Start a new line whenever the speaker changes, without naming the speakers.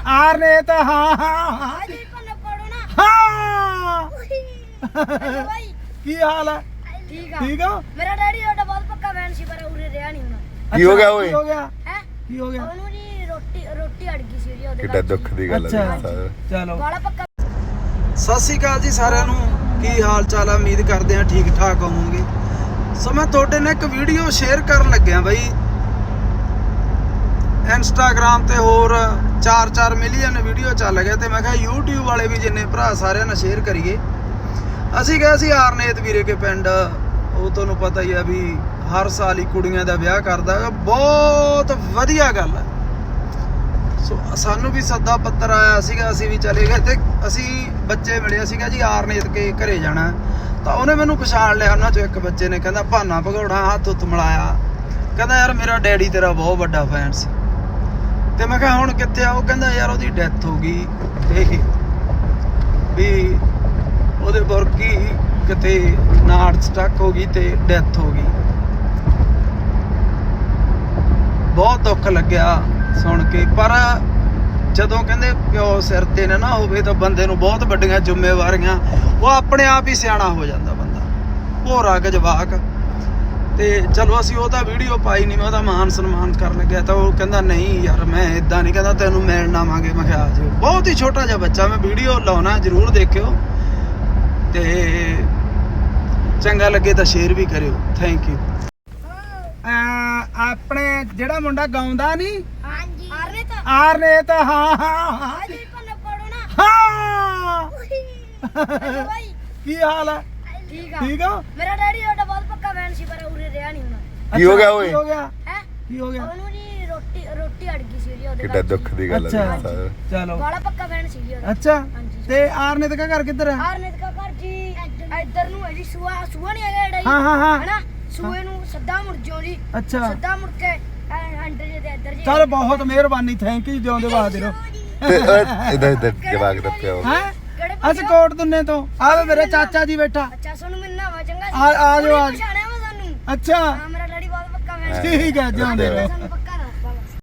are ने तो हाँ हाँ हाँ हाँ की हाल है ठीक हो
मेरा डैडी ਤੁਹਾਡਾ ਬਹੁਤ ਪੱਕਾ ਫੈਨ ਸੀ ਪਰ ਉਰੇ ਰਿਹਾ ਨਹੀਂ ਹੁਣ
ਕੀ ਹੋ ਗਿਆ ਓਏ
की हो गया
ਹੈ
की हो गया
ਉਹਨੂੰ ਜੀ ਰੋਟੀ ਅੜ ਗਈ ਸੀ ਉਹਦੇ
ਕਿੱਡਾ ਦੁੱਖ ਦੀ ਗੱਲ ਹੈ
अच्छा चलो
ਬਾਲਾ ਪੱਕਾ
ਸਤਿ ਸ਼੍ਰੀ ਅਕਾਲ ਜੀ ਸਾਰਿਆਂ ਨੂੰ ਕੀ ਹਾਲ ਚਾਲ ਆ ਉਮੀਦ ਕਰਦੇ ਆ ਠੀਕ ਠਾਕ ਹੋਵੋਗੇ ਸੋ ਮੈਂ ਤੁਹਾਡੇ ਨਾਲ ਇੱਕ ਵੀਡੀਓ ਸ਼ੇਅਰ ਕਰਨ ਲੱਗਿਆ ਬਈ ਇੰਸਟਾਗ੍ਰਾਮ ਤੇ ਹੋਰ 4-4 ਮਿਲੀਅਨ ਵੀਡੀਓ ਚੱਲ ਗਏ ਤੇ ਮੈਂ ਕਿਹਾ YouTube ਵਾਲੇ ਵੀ ਜਿੰਨੇ ਭਰਾ ਸਾਰਿਆਂ ਨਾਲ ਸ਼ੇਅਰ ਕਰੀਏ ਅਸੀਂ ਗਏ ਸੀ ਆਰਨੇਤ ਵੀਰੇ ਕੇ ਪਿੰਡ ਉਹ ਤੁਹਾਨੂੰ ਪਤਾ ਹੀ ਆ ਵੀ ਹਰ ਸਾਲ ਹੀ ਕੁੜੀਆਂ ਦਾ ਵਿਆਹ ਕਰਦਾ ਬਹੁਤ ਵਧੀਆ ਗੱਲ ਹੈ ਸੋ ਸਾਨੂੰ ਵੀ ਸੱਦਾ ਪੱਤਰ ਆਇਆ ਸੀਗਾ ਅਸੀਂ ਵੀ ਚਲੇ ਗਏ ਤੇ ਅਸੀਂ ਬੱਚੇ ਮਿਲੇ ਸੀਗਾ ਜੀ ਆਰਨੇਤ ਕੇ ਘਰੇ ਜਾਣਾ ਤਾਂ ਉਹਨੇ ਮੈਨੂੰ ਪਛਾਣ ਲਿਆ ਉਹਨਾਂ ਚੋਂ ਇੱਕ ਬੱਚੇ ਨੇ ਕਹਿੰਦਾ ਭਾਨਾ ਭਗੌੜਾ ਹੱਥ ਉੱਤ ਮਿਲਾਇਆ ਕਹਿੰਦਾ ਯਾਰ ਮੇਰਾ ਡੈਡੀ ਤੇਰਾ ਬਹੁਤ ਵੱਡਾ ਫੈਨ ਸੀ ਤੇ ਮੈਂ ਕਿਹਾ ਹੁਣ ਕਿੱਥੇ ਆ ਉਹ ਕਹਿੰਦਾ ਯਾਰ ਉਹਦੀ ਡੈਥ ਹੋ ਗਈ ਤੇ ਵੀ ਉਹਦੇ ਵਰਗੀ ਕਿਤੇ ਨਾੜ ਸਟਕ ਹੋ ਗਈ ਤੇ ਡੈਥ ਹੋ ਗਈ ਬਹੁਤ ਦੁੱਖ ਲੱਗਿਆ ਸੁਣ ਕੇ ਪਰ ਜਦੋਂ ਕਹਿੰਦੇ ਪਿਓ ਸਿਰ ਤੇ ਨਾ ਹੋਵੇ ਤਾਂ ਬੰਦੇ ਨੂੰ ਬਹੁਤ ਵੱਡੀਆਂ ਜ਼ਿੰਮੇਵਾਰੀਆਂ ਉਹ ਆਪਣੇ ਆਪ ਹੀ ਸਿਆਣਾ ਹੋ ਜਾਂਦਾ ਬੰਦਾ ਭੋਰਾ ਜਵਾਕ ਤੇ ਚਲੋ ਅਸੀਂ ਉਹ ਤਾਂ ਵੀਡੀਓ ਪਾਈ ਨਹੀਂ ਮੈਂ ਉਹਦਾ ਮਾਨ ਸਨਮਾਨ ਕਰਨ ਲੱਗਿਆ ਤਾਂ ਉਹ ਕਹਿੰਦਾ ਨਹੀਂ ਯਾਰ ਮੈਂ ਇਦਾਂ ਨਹੀਂ ਕਹਿੰਦਾ ਤੈਨੂੰ ਮਿਲਣ ਆਵਾਂਗੇ ਮੈਂ ਕਿਹਾ ਆ ਜਾਓ ਬਹੁਤ ਹੀ ਛੋਟਾ ਜਿਹਾ ਬੱਚਾ ਮੈਂ ਵੀਡੀਓ ਲਾਉਣਾ ਜ਼ਰੂਰ ਦੇਖਿਓ ਤੇ ਚੰਗਾ ਲੱਗੇ ਤਾਂ ਸ਼ੇਅਰ ਵੀ ਕਰਿਓ ਥੈਂਕ ਯੂ ਆਪਣੇ ਜਿਹੜਾ ਮੁੰਡਾ ਗਾਉਂਦਾ ਨਹੀਂ
ਹਾਂਜੀ
ਆਰ ਨੇ ਤਾਂ ਹਾਂ ਹਾਂ ਹਾਂ
ਹਾਂਜੀ ਕੋਨੇ ਪੜੋ ਨਾ
ਹਾਂ
ਭਾਈ
ਕੀ ਹਾਲ ਹੈ
ਠੀਕ ਆ
ਠੀਕ ਹੋ
ਮੇਰਾ ਡੈਡੀ ਤੁਹਾਡਾ ਬਹੁਤ ਪੱਕਾ ਫੈਨ ਸੀ ਪਰ ਉਰੇ ਰਿਹਾ ਨਹੀਂ ਹੁਣ
ਕੀ ਹੋ ਗਿਆ ਓਏ
ਕੀ ਹੋ ਗਿਆ
ਹੈ
ਕੀ ਹੋ ਗਿਆ
ਉਹਨੂੰ ਜੀ ਰੋਟੀ ਅੜ ਗਈ ਸੀ ਉਹਦੇ
ਕਿੱਡਾ ਦੁੱਖ ਦੀ ਗੱਲ ਹੈ
ਅੱਛਾ ਚਲੋ
ਬਾਲਾ ਪੱਕਾ ਫੈਨ ਸੀ ਉਹਦਾ
ਅੱਛਾ
ਹਾਂਜੀ
ਤੇ ਆਰਨੇਤ ਦਾ ਘਰ ਕਿੱਧਰ ਹੈ
ਆਰਨੇਤ ਦਾ ਘਰ ਜੀ ਇੱਧਰ ਨੂੰ ਹੈ ਜੀ ਸੂਆ ਨਹੀਂ ਹੈਗਾ ਜਿਹੜਾ ਜੀ
ਹਾਂ ਹਾਂ ਹਾਂ
ਹੈਨਾ ਸੂਏ ਨੂੰ ਸੱਦਾ ਮੁੜ ਜਾਓ ਜੀ
ਅੱਛਾ
ਸੱਦਾ ਮੁੜ ਕੇ ਅੰਦਰ ਜੇ ਤੇ ਇੱਧਰ ਜੀ
ਚਲ ਬਹੁਤ ਮਿਹਰਬਾਨੀ ਥੈਂਕ ਯੂ ਜਿਉਂਦੇ ਬਾਦ ਰਹੋ
ਇਧਰ ਜਵਾਕ ਦਾ ਪਿਓ
ਹੈ
ਕਿਹੜੇ
ਅਸੀਂ ਕੋਟ ਦੁੰਨੇ ਤੋਂ ਆਵੇ ਮੇਰਾ ਚਾਚਾ ਜੀ ਬੈਠਾ
ਅੱਛਾ ਸਾਨੂੰ ਮਿਲਣਾ ਵਾ ਚੰਗਾ
ਆ ਜਾਓ ਆ
ਪਛਾਣਿਆ ਵਾ ਸਾਨੂੰ
ਅੱਛਾ
ਹਾਂ ਮੇਰਾ ਡੈਡੀ ਬਹੁਤ ਪੱਕਾ ਫੈਨ
ਠੀਕ ਹੈ ਜਿਉਂਦੇ ਰਹੋ
ਸਾਨੂੰ